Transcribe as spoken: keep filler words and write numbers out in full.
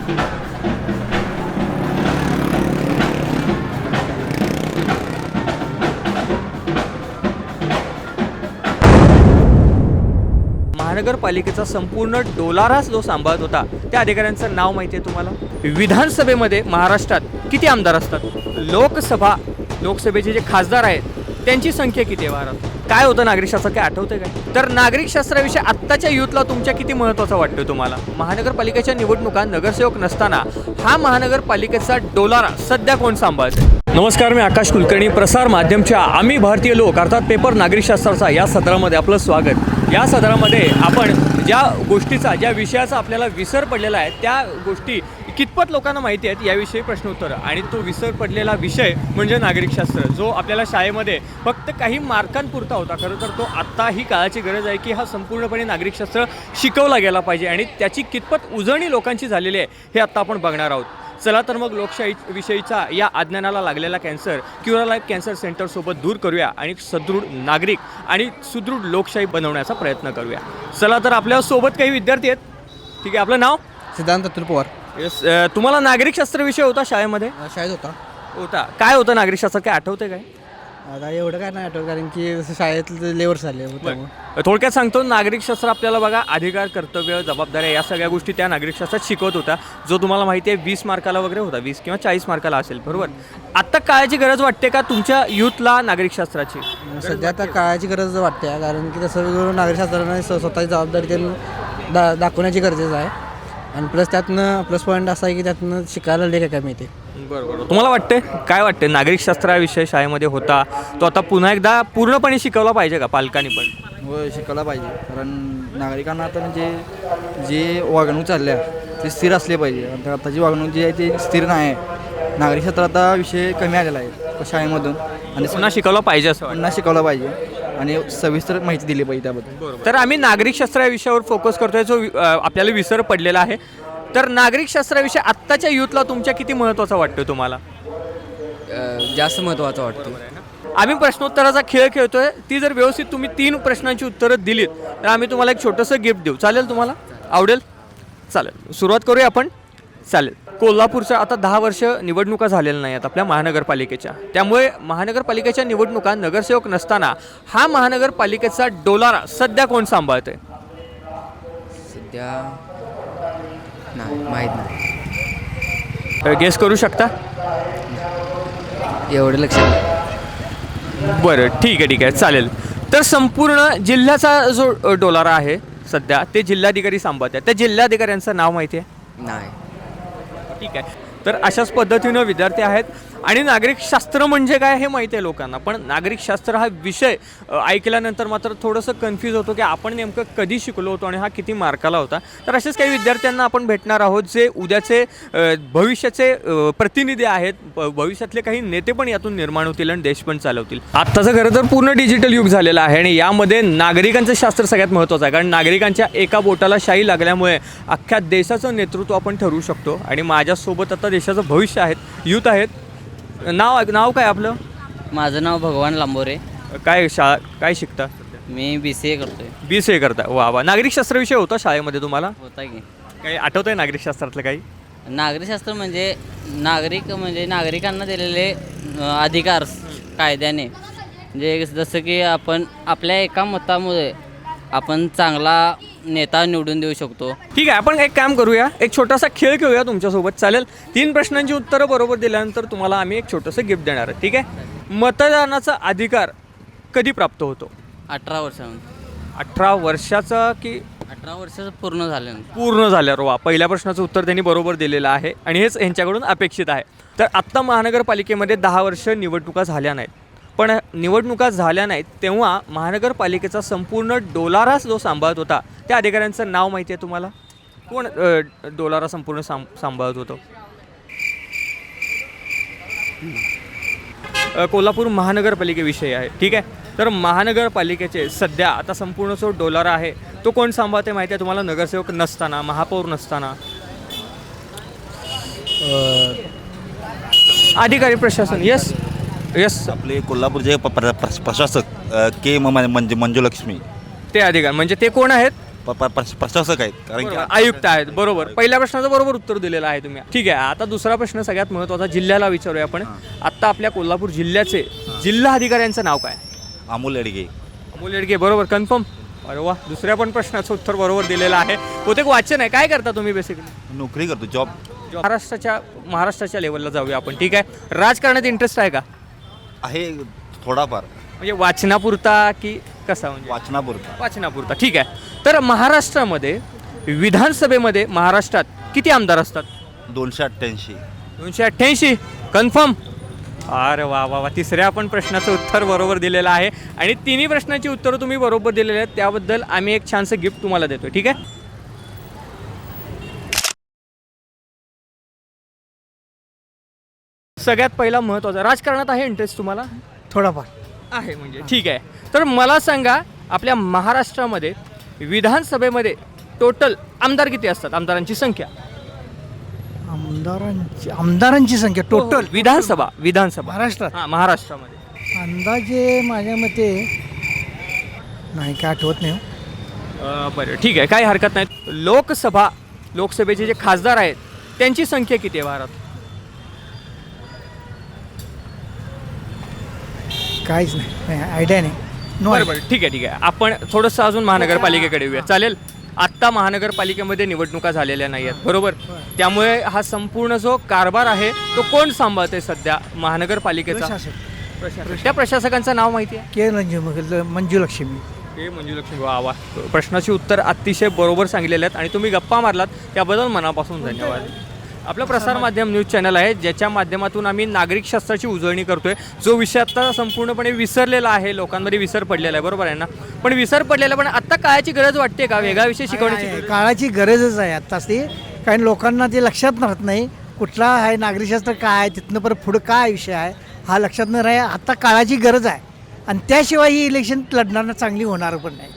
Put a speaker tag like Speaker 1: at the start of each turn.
Speaker 1: महानगरपालिकेचा संपूर्ण डोलाराच जो सांभाळत होता त्या अधिकाऱ्यांचं नाव माहिती आहे तुम्हाला? विधानसभेमध्ये महाराष्ट्रात किती आमदार असतात? लोकसभा लोकसभेचे जे खासदार आहेत त्यांची संख्या किती आहे महाराष्ट्रात? काय होतं नागरिक शास्त्र, काय आठवतं काय? तर नागरिक शास्त्राविषयी आत्ताच्या युथला तुमच्या किती महत्त्वाचं वाटतं तुम्हाला? महानगरपालिकेच्या निवडणुका नगरसेवक नसताना हा महानगरपालिकेचा डोलारा सध्या कोण सांभाळतं? नमस्कार, मी आकाश कुलकर्णी, प्रसार माध्यमच्या आम्ही भारतीय लोक अर्थात पेपर नागरिकशास्त्राचा या सदरामध्ये आपलं स्वागत. या सदरामध्ये आपण ज्या गोष्टीचा ज्या विषयाचा आपल्याला विसर पडलेला आहे त्या गोष्टी कितपत लोकांना माहिती आहेत याविषयी प्रश्न उत्तर, आणि तो विसर पडलेला विषय म्हणजे नागरिकशास्त्र, जो आपल्याला शाळेमध्ये फक्त काही मार्कांपुरता होता. खरं तर तो आत्ता ही काळाची गरज आहे की हा संपूर्णपणे नागरिकशास्त्र शिकवला गेला पाहिजे, आणि त्याची कितपत उजळणी लोकांची झालेली आहे हे आत्ता आपण बघणार आहोत. चला तर मग लोकशाही विषयीचा या अज्ञानाला लागलेला कॅन्सर क्युरा लाईफ कॅन्सर सेंटरसोबत दूर करूया आणि सदृढ नागरिक आणि सुदृढ लोकशाही बनवण्याचा प्रयत्न करूया. चला तर आपल्यासोबत काही विद्यार्थी आहेत. ठीक आहे, आपलं नाव?
Speaker 2: सिद्धांत अतुल पवार.
Speaker 1: येस. तुम्हाला नागरिकशास्त्र विषय होता शाळेमध्ये?
Speaker 2: शाळेत होता.
Speaker 1: होता. काय होतं नागरिकशास्त्र, काय आठवते काय?
Speaker 2: आता एवढं काय नाही आठवत, कारण की जसं शाळेत लेवर झाले होते.
Speaker 1: थोडक्यात सांगतो, नागरिकशास्त्र आपल्याला बघा अधिकार, कर्तव्य, जबाबदाऱ्या या सगळ्या गोष्टी त्या नागरिकशास्त्रात शिकवत होता, जो तुम्हाला माहिती आहे वीस मार्काला वगैरे होता, वीस किंवा चाळीस मार्काला असेल, बरोबर? आत्ता काळाची गरज वाटते का तुमच्या युथला नागरिकशास्त्राची?
Speaker 2: सध्या आता काळाची गरज वाटते, कारण की तसं वेगवेगळं नागरिकशास्त्राने स्वतःची जबाबदारी त्यांना दा दाखवण्याची गरजेचं आहे. आणि प्लस त्यातनं प्लस पॉईंट असा आहे की त्यातनं शिकायला लय काय मिळते.
Speaker 1: बरोबर. तुम्हाला वाटते काय वाटते, नागरिकशास्त्राविषय शाळेमध्ये होता तो आता पुन्हा एकदा पूर्णपणे शिकवला पाहिजे का पालकांनी पण?
Speaker 3: हो, शिकायला पाहिजे, कारण नागरिकांना आता म्हणजे जे वागणूक चालल्या ते स्थिर असले पाहिजे. आता आताची वागणूक जी आहे ती स्थिर नाही आहे. नागरिकशास्त्र आता विषय कमी आलेला आहे शाळेमधून, आणि
Speaker 1: पुन्हा शिकवला पाहिजे असं
Speaker 3: पुन्हा शिकवला पाहिजे आणि सविस्तर माहिती दिली पाहिजे त्याबद्दल.
Speaker 1: तर आम्ही नागरिकशास्त्र या विषयावर फोकस करतोय, जो आपल्याला विसर पडलेला आहे. तर नागरिकशास्त्राविषयी आत्ताच्या युथला तुमच्या किती महत्त्वाचा वाटतो तुम्हाला?
Speaker 4: जास्त महत्त्वाचा वाटतो.
Speaker 1: आम्ही प्रश्नोत्तराचा खेळ खेळतोय, ती जर व्यवस्थित तुम्ही तीन प्रश्नांची उत्तरं दिलीत तर आम्ही तुम्हाला एक छोटंसं गिफ्ट देऊ. चालेल? तुम्हाला आवडेल? चालेल, सुरुवात करूया आपण. चालेल. कोल्हापूरच्या आता दहा वर्ष निवडणुका झालेल्या नाही आहेत आपल्या महानगरपालिकेच्या, त्यामुळे महानगरपालिकेच्या निवडणुका नगरसेवक नसताना हा महानगरपालिकेचा डोलारा सध्या कोण सांभाळतंय?
Speaker 4: सध्या नाही माहीत नाही.
Speaker 1: गेस करू शकता?
Speaker 4: एवढं लक्षात नाही.
Speaker 1: बरं, ठीक आहे ठीक आहे, चालेल. तर संपूर्ण जिल्ह्याचा जो डोलारा आहे सध्या ते जिल्हाधिकारी सांभाळतात. त्या जिल्हाधिकाऱ्यांचं नाव माहिती आहे?
Speaker 4: नाही.
Speaker 1: ठीक आहे. तर अशाच पद्धतीनं विद्यार्थी आहेत, आणि नागरिकशास्त्र म्हणजे काय हे माहिती आहे लोकांना, पण नागरिकशास्त्र हा विषय ऐकल्यानंतर मात्र थोडंसं कन्फ्यूज होतो की आपण नेमकं कधी शिकलो होतो आणि हा किती मार्काला होता. तर असेच काही विद्यार्थ्यांना आपण भेटणार आहोत जे उद्याचे भविष्याचे प्रतिनिधी आहेत, भविष्यातले काही नेते पण यातून निर्माण होतील आणि देश पण चालवतील. आत्ताचं खरं तर पूर्ण डिजिटल युग झालेलं आहे, आणि यामध्ये नागरिकांचं शास्त्र सगळ्यात महत्त्वाचं आहे, कारण नागरिकांच्या एका बोटाला शाई लागल्यामुळे अख्ख्या देशाचं नेतृत्व आपण ठरवू शकतो. आणि माझ्यासोबत आता देशाचं भविष्य आहेत, यूथ आहेत. नाव नाव काय आपलं?
Speaker 5: माझं नाव भगवान लांबोरे.
Speaker 1: काय शाळा काय शिकता?
Speaker 5: मी बी सी ए करतोय.
Speaker 1: बी सी ए करता. वा वा. नागरिकशास्त्र विषय होता शाळेमध्ये तुम्हाला?
Speaker 5: होता की.
Speaker 1: काही आठवतं आहे नागरिकशास्त्रातलं काही?
Speaker 5: नागरिकशास्त्र म्हणजे नागरिक म्हणजे नागरिकांना दिलेले अधिकार कायद्याने, म्हणजे जसं की आपण आपल्या एका मतामुळे आपण चांगला नेता निवडून देऊ शकतो.
Speaker 1: ठीक आहे, आपण एक काम करूया, एक छोटासा खेळ खेळूया तुमच्यासोबत. चालेल? तीन प्रश्नांची उत्तरं बरोबर दिल्यानंतर तुम्हाला आम्ही एक छोटंसं गिफ्ट देणार आहे. ठीक आहे? मतदानाचा अधिकार कधी प्राप्त होतो?
Speaker 5: अठरा वर्षामध्ये.
Speaker 1: अठरा वर्षाचा की
Speaker 5: अठरा वर्षाचं पूर्ण झालं.
Speaker 1: पूर्ण झाल्यावर. वा. पहिल्या प्रश्नाचं उत्तर त्यांनी बरोबर दिलेलं आहे, आणि हेच यांच्याकडून अपेक्षित आहे. तर आत्ता महानगरपालिकेमध्ये दहा वर्ष निवडणुका झाल्या नाहीत, पण निवडणुका झाल्या नाहीत तेव्हा महानगरपालिकेचा संपूर्ण डोलाराच जो सांभाळत होता त्या अधिकाऱ्यांचं नाव माहिती आहे तुम्हाला? कोण डोलारा संपूर्ण सांभ सांभाळत होतो? कोल्हापूर महानगरपालिकेविषयी आहे. ठीक आहे? तर महानगरपालिकेचे सध्या आता संपूर्ण जो डोलारा आहे तो कोण सांभाळते माहिती आहे तुम्हाला? नगरसेवक नसताना, महापौर नसताना, अधिकारी प्रशासन. येस येस
Speaker 6: आपले कोल्हापूरचे प प्र प्रशासक के म म्हणजे मंजुलक्ष्मी
Speaker 1: ते अधिकारी. म्हणजे ते कोण आहेत?
Speaker 6: प- प- प्रश- प्रशासक आहेत कारण की
Speaker 1: बरोबर, आयुक्त आहेत बरोबर. पहिल्या प्रश्नाचं बरोबर उत्तर दिलेलं आहे तुम्ही. ठीक आहे, आता दुसरा प्रश्न सगळ्यात महत्त्वाचा जिल्ह्याला विचारूया आपण. आत्ता आपल्या कोल्हापूर जिल्ह्याचे जिल्हा अधिकाऱ्यांचं नाव काय?
Speaker 6: अमोल येडगे.
Speaker 1: अमोल येडगे बरोबर, कन्फर्म. अरे वा, दुसऱ्या पण प्रश्नाचं उत्तर बरोबर दिलेलं आहे. बहुतेक वाचन आहे. काय करता तुम्ही बेसिकली?
Speaker 6: नोकरी करतो, जॉब
Speaker 1: महाराष्ट्राच्या महाराष्ट्राच्या लेवलला जाऊया आपण. ठीक आहे, राजकारणात इंटरेस्ट आहे का?
Speaker 6: आहे थोडाफार,
Speaker 1: म्हणजे वाचनापुरता की कसा? म्हणजे
Speaker 6: वाचनापुरता.
Speaker 1: वाचनापुरता. ठीक आहे, तर महाराष्ट्रामध्ये विधानसभेमध्ये महाराष्ट्रात किती आमदार असतात?
Speaker 6: दोनशे अठ्ठ्याऐंशी.
Speaker 1: दोनशे अठ्ठ्याऐंशी, कन्फर्म. अरे वा वा वा, तिसऱ्या पण प्रश्नाचं उत्तर बरोबर दिलेलं आहे आणि तिन्ही प्रश्नांची उत्तरं तुम्ही बरोबर दिलेली आहेत. त्याबद्दल आम्ही एक छानसं गिफ्ट तुम्हाला देतोय. ठीक आहे, सगळ्यात पहिला महत्त्वाचा, राजकारणात आहे इंटरेस्ट तुम्हाला?
Speaker 2: थोडाफार
Speaker 1: आहे म्हणजे. ठीक आहे, तर मला सांगा आपल्या महाराष्ट्रामध्ये विधानसभेमध्ये टोटल आमदार किती असतात? आमदारांची संख्या.
Speaker 7: आमदारांची आमदारांची संख्या टोटल
Speaker 1: विधानसभा विधानसभा
Speaker 7: महाराष्ट्रात
Speaker 1: हां, महाराष्ट्रामध्ये
Speaker 7: अंदाजे माझ्या मते नाही काय आठवत नाही हो.
Speaker 1: अं, बरं ठीक आहे, काही हरकत नाही. लोकसभा लोकसभेचे जे खासदार आहेत त्यांची संख्या किती आहे भारतात?
Speaker 7: काहीच नाही नाही आयडिया नाही नो
Speaker 1: बरं बरं ठीक आहे ठीक आहे, आपण थोडंसं अजून महानगरपालिकेकडे येऊया, चालेल? आत्ता महानगरपालिकेमध्ये निवडणुका झालेल्या नाही आहेत बरोबर, त्यामुळे हा संपूर्ण जो कारभार आहे तो कोण सांभाळते सध्या महानगरपालिकेचा?
Speaker 7: प्रशासक
Speaker 1: प्रशासक. त्या प्रशासकांचं नाव माहिती आहे?
Speaker 7: के मंजू मंजू लक्ष्मी.
Speaker 1: हे मंजुलक्ष्मी. वा वा, प्रश्नाची उत्तर अतिशय बरोबर सांगितलेले आहेत आणि तुम्ही गप्पा मारलात त्याबद्दल मनापासून धन्यवाद. आपलं प्रसारमाध्यम न्यूज चॅनल आहे ज्याच्या माध्यमातून आम्ही नागरिक शास्त्राची उजळणी करतोय, जो विषय आता संपूर्णपणे विसरलेला आहे, लोकांमध्ये विसर पडलेला आहे बरोबर आहे ना? पण विसर पडलेला, पण आता काळाची गरज वाटते का वेगळा विषय शिकवण्याची?
Speaker 7: आहे, काळाची गरजच आहे आत्ताच ती. कारण लोकांना ते लक्षात राहत नाही कुठला आहे नागरिकशास्त्र काय आहे, तिथनं परत पुढं काय विषय आहे हा लक्षात न राहा. आता काळाची गरज आहे आणि त्याशिवाय ही इलेक्शन लढणार चांगली होणार पण नाही.